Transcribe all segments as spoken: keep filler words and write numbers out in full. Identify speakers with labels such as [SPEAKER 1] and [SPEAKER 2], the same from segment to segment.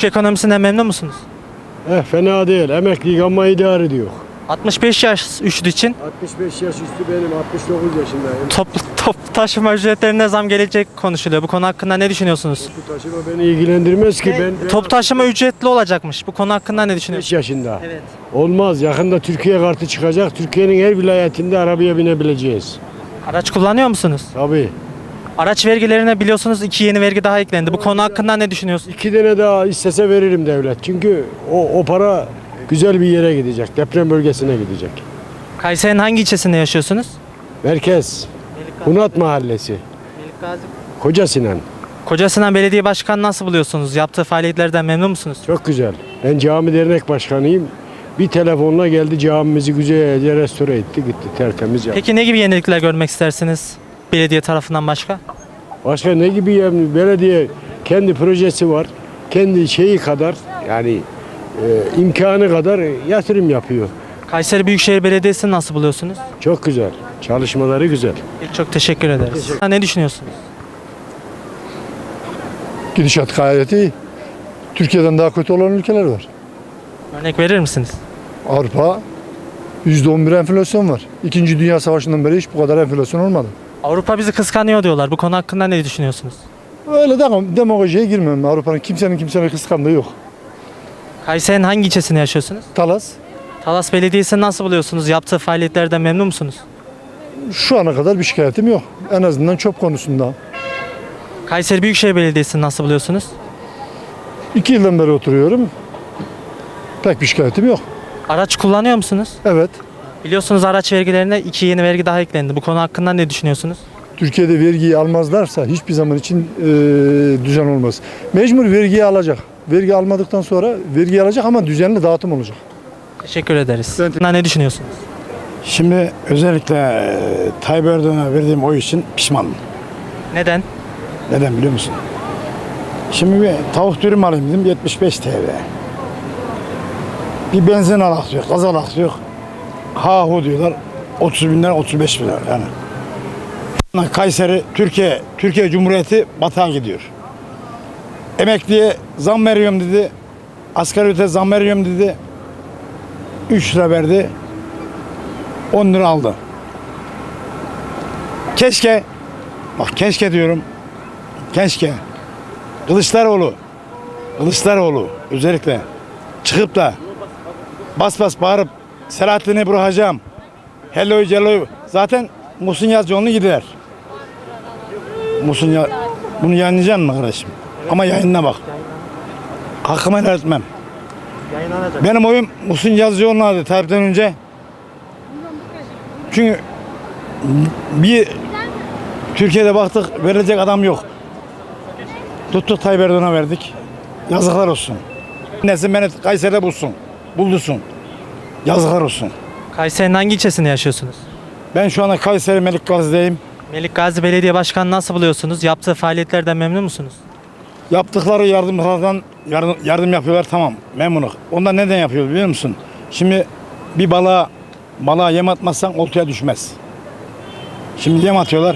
[SPEAKER 1] Ülke ekonomisinden memnun musunuz?
[SPEAKER 2] Eh fena değil. Emeklilik ama idare ediyor.
[SPEAKER 1] altmış beş yaş üstü için
[SPEAKER 2] altmış beş yaş üstü benim. altmış dokuz yaşındayım.
[SPEAKER 1] toplu top taşıma ücretlerine zam gelecek konuşuluyor. Bu konu hakkında ne düşünüyorsunuz?
[SPEAKER 2] Bu taşıma beni ilgilendirmez ki. Ben, ben
[SPEAKER 1] Top taşıma ücretli olacakmış. Bu konu hakkında ne
[SPEAKER 2] beş
[SPEAKER 1] düşünüyorsunuz?
[SPEAKER 2] yaşında.
[SPEAKER 1] Evet.
[SPEAKER 2] Olmaz. Yakında Türkiye kartı çıkacak. Türkiye'nin her vilayetinde arabaya binebileceğiz.
[SPEAKER 1] Araç kullanıyor musunuz?
[SPEAKER 2] Tabii.
[SPEAKER 1] Araç vergilerine biliyorsunuz iki yeni vergi daha eklendi. Bu konu hakkında ne düşünüyorsunuz?
[SPEAKER 2] İki tane daha istese veririm devlet. Çünkü o, o para güzel bir yere gidecek. Deprem bölgesine gidecek.
[SPEAKER 1] Kayseri'nin hangi ilçesinde yaşıyorsunuz?
[SPEAKER 2] Merkez. Hunat Mahallesi. Koca Sinan.
[SPEAKER 1] Kocasinan Belediye Başkanı nasıl buluyorsunuz? Yaptığı faaliyetlerden memnun musunuz?
[SPEAKER 2] Çok güzel. Ben cami dernek başkanıyım. Bir telefonla geldi camimizi güzelce restore etti gitti tertemiz yaptı.
[SPEAKER 1] Peki ne gibi yenilikler görmek istersiniz belediye tarafından başka?
[SPEAKER 2] Başka ne gibi yani belediye kendi projesi var. Kendi şeyi kadar yani e, imkanı kadar yatırım yapıyor.
[SPEAKER 1] Kayseri Büyükşehir Belediyesi'ni nasıl buluyorsunuz?
[SPEAKER 2] Çok güzel. Çalışmaları güzel.
[SPEAKER 1] Çok teşekkür ederiz. Ne düşünüyorsunuz?
[SPEAKER 3] Gidişat gayet iyi. Türkiye'den daha kötü olan ülkeler var.
[SPEAKER 1] Örnek verir misiniz?
[SPEAKER 3] Avrupa yüzde on bir enflasyon var. İkinci Dünya Savaşı'ndan beri hiç bu kadar enflasyon olmadı.
[SPEAKER 1] Avrupa bizi kıskanıyor diyorlar. Bu konu hakkında ne düşünüyorsunuz?
[SPEAKER 3] Öyle de demagojiye girmem. Avrupa'nın kimsenin kimsenin kıskandığı yok.
[SPEAKER 1] Kayseri'nin hangi ilçesinde yaşıyorsunuz?
[SPEAKER 3] Talas
[SPEAKER 1] Talas Belediyesi'ni nasıl buluyorsunuz? Yaptığı faaliyetlerden memnun musunuz?
[SPEAKER 3] şu ana kadar bir şikayetim yok. En azından çöp konusunda.
[SPEAKER 1] Kayseri Büyükşehir Belediyesi'ni nasıl buluyorsunuz?
[SPEAKER 3] İki yıldan beri oturuyorum. Pek bir şikayetim yok.
[SPEAKER 1] Araç kullanıyor musunuz?
[SPEAKER 3] Evet.
[SPEAKER 1] Biliyorsunuz araç vergilerine iki yeni vergi daha eklendi. Bu konu hakkında ne düşünüyorsunuz?
[SPEAKER 3] Türkiye'de vergiyi almazlarsa hiçbir zaman için e, düzen olmaz. Mecbur vergiyi alacak. Vergi almadıktan sonra vergi alacak ama düzenli dağıtım olacak.
[SPEAKER 1] Teşekkür ederiz.
[SPEAKER 3] Ben-
[SPEAKER 1] Ben... Ne düşünüyorsunuz?
[SPEAKER 4] Şimdi özellikle e, Tayyip Erdoğan'a verdiğim oy için pişmanım.
[SPEAKER 1] Neden?
[SPEAKER 4] Neden biliyor musun? Şimdi bir tavuk dürüm alayım dedim yetmiş beş T L. Bir benzin alak diyor, gaz alak diyor. Ha hu diyorlar otuz bin lira otuz beş bin lira yani. Kayseri, Türkiye, Türkiye Cumhuriyeti batağa gidiyor. Emekliye zam veriyorum dedi. Asgari ücrete zam veriyorum dedi. üç lira verdi. on lira aldı. Keşke, bak keşke diyorum, keşke Kılıçdaroğlu, Kılıçdaroğlu özellikle çıkıp da bas bas bağırıp Selahattin'i bırakacağım. Hello hello. Zaten Muhsin Yazıcıoğlu'nu gider. Muhsin ya bunu yayınlayacağım mı kardeşim? Ama yayınına bak. Hakkımı helal etmem. Benim oyum Muhsin Yazıcıoğlu'na adı Tayyip'ten önce. Çünkü bir Türkiye'de baktık verilecek adam yok. Tuttuk Tayyip Erdoğan'a verdik. Yazıklar olsun. Nesin beni Kayseri'de bulsun. Buldursun. Yazıklar olsun.
[SPEAKER 1] Kayseri'nin hangi ilçesinde yaşıyorsunuz?
[SPEAKER 4] Ben şu anda Kayseri Melik Gazi'deyim.
[SPEAKER 1] Melik Gazi Belediye Başkanı nasıl buluyorsunuz? Yaptığı faaliyetlerden memnun musunuz?
[SPEAKER 4] Yaptıkları yardımlardan yardım, yardım yapıyorlar tamam memnunum. Ondan neden yapıyor biliyor musun? Şimdi bir balığa balığa yem atmazsan oltaya düşmez. Şimdi yem atıyorlar.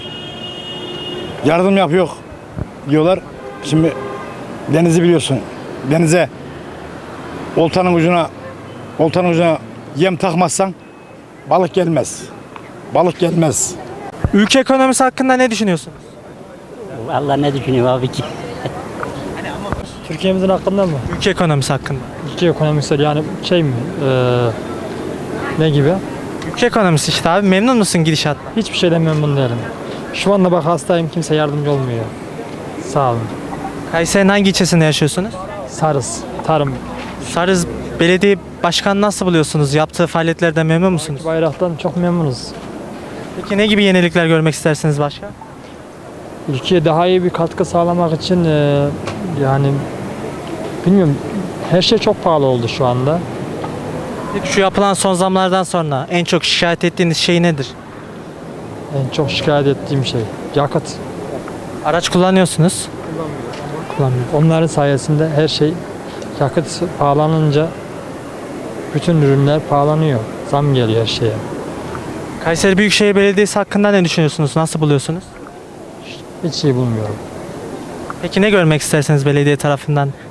[SPEAKER 4] Yardım yapıyor diyorlar. Şimdi denizi biliyorsun. Denize oltanın ucuna oltanın ucuna yem takmazsan balık gelmez. Balık gelmez.
[SPEAKER 1] Ülke ekonomisi hakkında ne düşünüyorsunuz?
[SPEAKER 5] Vallahi ne düşünüyorum abi ki?
[SPEAKER 6] Türkiye'mizin hakkında mı?
[SPEAKER 1] Ülke ekonomisi hakkında.
[SPEAKER 6] Ülke ekonomisi yani şey mi? Ee, ne gibi?
[SPEAKER 1] Ülke ekonomisi işte abi. Memnun musun gidişatla?
[SPEAKER 6] Hiçbir şeyden memnun değilim. Şu anda bak hastayım, kimse yardımcı olmuyor. Sağ olun.
[SPEAKER 1] Kayseri'nin hangi ilçesinde yaşıyorsunuz?
[SPEAKER 6] Sarız, tarım.
[SPEAKER 1] Sarız Belediye Başkanı nasıl buluyorsunuz? Yaptığı faaliyetlerden memnun musunuz?
[SPEAKER 6] Bayraktan çok memnunuz.
[SPEAKER 1] Peki ne gibi yenilikler görmek istersiniz başka?
[SPEAKER 6] Ülkeye daha iyi bir katkı sağlamak için e, yani bilmiyorum, her şey çok pahalı oldu şu anda.
[SPEAKER 1] Peki şu yapılan son zamlardan sonra en çok şikayet ettiğiniz şey nedir?
[SPEAKER 6] En çok şikayet ettiğim şey yakıt.
[SPEAKER 1] Araç kullanıyorsunuz. Kullanmıyorum.
[SPEAKER 6] Onların sayesinde her şey, yakıt pahalanınca bütün ürünler pahalanıyor. Zam geliyor her şeye.
[SPEAKER 1] Kayseri Büyükşehir Belediyesi hakkında ne düşünüyorsunuz? Nasıl buluyorsunuz?
[SPEAKER 6] Hiç iyi bulmuyorum.
[SPEAKER 1] Peki ne görmek isterseniz belediye tarafından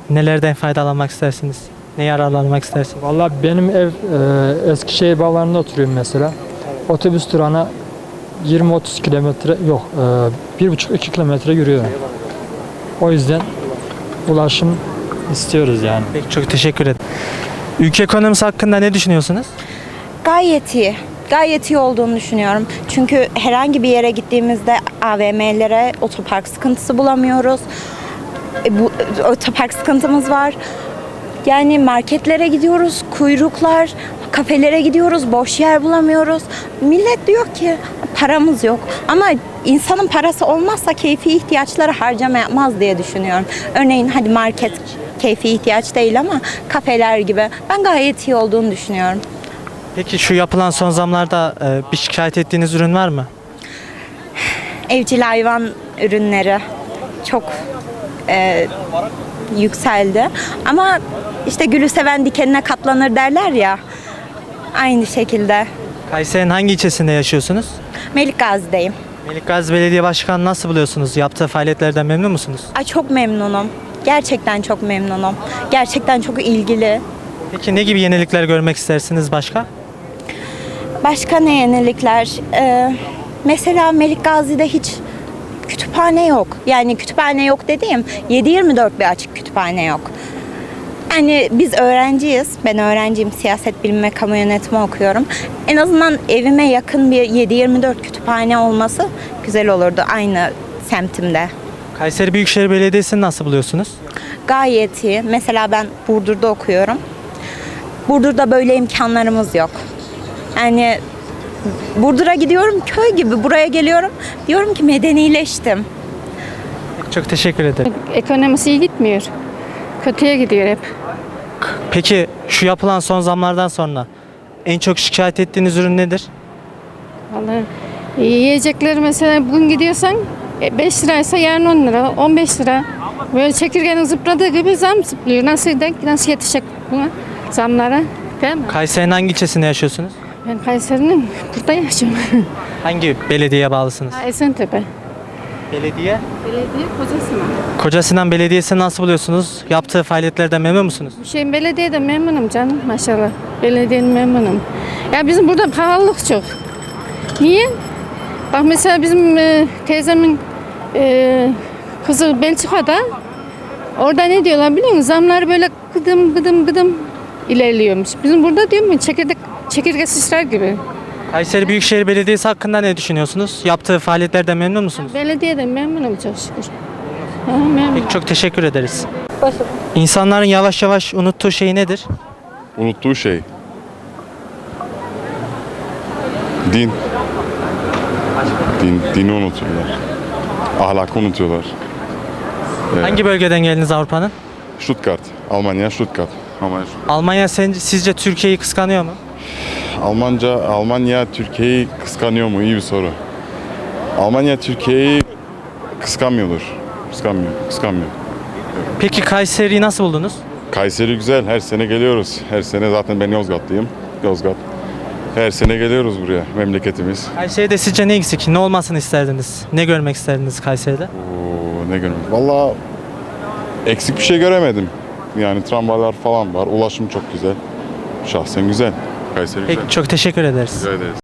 [SPEAKER 1] Nelerden faydalanmak istersiniz? Ne yararlanmak istersiniz?
[SPEAKER 6] Vallahi benim ev e, Eskişehir Bağları'nda oturuyorum mesela. Otobüs durağına yirmi otuz kilometre yok, e, bir buçuk iki kilometre yürüyorum. O yüzden ulaşım istiyoruz yani.
[SPEAKER 1] Peki, çok teşekkür ederim. Ülke ekonomisi hakkında ne düşünüyorsunuz?
[SPEAKER 7] Gayet iyi. Gayet iyi olduğunu düşünüyorum. Çünkü herhangi bir yere gittiğimizde A V M'lere otopark sıkıntısı bulamıyoruz. E, bu otopark sıkıntımız var. Yani marketlere gidiyoruz, kuyruklar, kafelere gidiyoruz, boş yer bulamıyoruz. Millet diyor ki paramız yok. Ama insanın parası olmazsa keyfi ihtiyaçları harcama yapmaz diye düşünüyorum. Örneğin hadi market keyfi ihtiyaç değil ama kafeler gibi. Ben gayet iyi olduğunu düşünüyorum.
[SPEAKER 1] Peki şu yapılan son zamlarda e, bir şikayet ettiğiniz ürün var mı?
[SPEAKER 7] Evcil hayvan ürünleri çok e, yükseldi. Ama işte gülü seven dikenine katlanır derler ya. Aynı şekilde.
[SPEAKER 1] Kayseri'nin hangi ilçesinde yaşıyorsunuz?
[SPEAKER 7] Melikgazi'deyim.
[SPEAKER 1] Melikgazi Belediye Başkanı nasıl buluyorsunuz? Yaptığı faaliyetlerden memnun musunuz?
[SPEAKER 7] Ay çok memnunum. Gerçekten çok memnunum. Gerçekten çok ilgili.
[SPEAKER 1] Peki ne gibi yenilikler görmek istersiniz başka?
[SPEAKER 7] Başka ne yenilikler? Ee, mesela Melikgazi'de hiç kütüphane yok. Yani kütüphane yok dediğim yedi yirmi dört bir açık kütüphane yok. Yani biz öğrenciyiz. Ben öğrenciyim. Siyaset bilimi ve kamu yönetimi okuyorum. En azından evime yakın bir yedi yirmi dört kütüphane olması güzel olurdu aynı semtimde.
[SPEAKER 1] Kayseri Büyükşehir Belediyesi'ni nasıl buluyorsunuz?
[SPEAKER 7] Gayet iyi. Mesela ben Burdur'da okuyorum. Burdur'da böyle imkanlarımız yok. Yani Burdur'a gidiyorum köy gibi, buraya geliyorum diyorum ki medenileştim.
[SPEAKER 1] Çok teşekkür ederim.
[SPEAKER 8] Ekonomisi iyi gitmiyor. Kötüye gidiyor hep.
[SPEAKER 1] Peki şu yapılan son zamlardan sonra en çok şikayet ettiğiniz ürün nedir?
[SPEAKER 8] Vallahi yiyecekler mesela bugün gidiyorsan beş liraysa yarın on lira, on beş lira. Böyle çekirgenin zıpladığı gibi zam zıplıyor. Nasıl, nasıl yetişecek buna zamlara? Değil mi?
[SPEAKER 1] Kayseri'nin hangi ilçesinde yaşıyorsunuz?
[SPEAKER 8] Ben Kayseri'nin burada yaşıyorum.
[SPEAKER 1] Hangi belediyeye bağlısınız?
[SPEAKER 8] Ha, Esentepe.
[SPEAKER 1] Belediye.
[SPEAKER 8] Belediye Kocasinan.
[SPEAKER 1] Kocasinan Belediyesi'ni nasıl buluyorsunuz? Yaptığı faaliyetlerden memnun musunuz?
[SPEAKER 8] Şey, belediyede memnunum canım maşallah. Belediyenin memnunum. Ya bizim burada pahalılık çok. Niye? Bak mesela bizim e, teyzemin e, kızı Belçika'da, orada ne diyorlar biliyor musun? Zamlar böyle gıdım gıdım gıdım ilerliyormuş. Bizim burada diyor mu çekirdek, çekirge sıçrar gibi.
[SPEAKER 1] Kayseri Büyükşehir Belediyesi hakkında ne düşünüyorsunuz? Yaptığı faaliyetlerden memnun musunuz?
[SPEAKER 8] Belediyeden memnunum çok şükür. Ha, memnunum.
[SPEAKER 1] Peki, çok teşekkür ederiz. İnsanların yavaş yavaş unuttuğu şey nedir?
[SPEAKER 9] Unuttuğu şey. Din. Din, dini unutuyorlar. Ahlakı unutuyorlar. Ee,
[SPEAKER 1] Hangi bölgeden geldiniz Avrupa'nın?
[SPEAKER 9] Stuttgart. Almanya, Stuttgart. Almanya, Stuttgart.
[SPEAKER 1] Almanya sence, sizce Türkiye'yi kıskanıyor mu?
[SPEAKER 9] Almanca, Almanya Türkiye'yi kıskanıyor mu? İyi bir soru. Almanya Türkiye'yi kıskanmıyordur. Kıskanmıyor, kıskanmıyor.
[SPEAKER 1] Peki Kayseri'yi nasıl buldunuz?
[SPEAKER 9] Kayseri güzel. Her sene geliyoruz. Her sene zaten ben Yozgatlıyım. Yozgat. Her sene geliyoruz buraya. Memleketimiz.
[SPEAKER 1] Kayseri'de sizce ne eksik? Ne olmasını isterdiniz? Ne görmek isterdiniz Kayseri'de?
[SPEAKER 9] Oo, ne görmedim. Valla eksik bir şey göremedim. Yani tramvaylar falan var. Ulaşım çok güzel. Şahsen güzel. Kayseri güzel.
[SPEAKER 1] Peki, çok teşekkür ederiz.
[SPEAKER 9] Rica ederiz.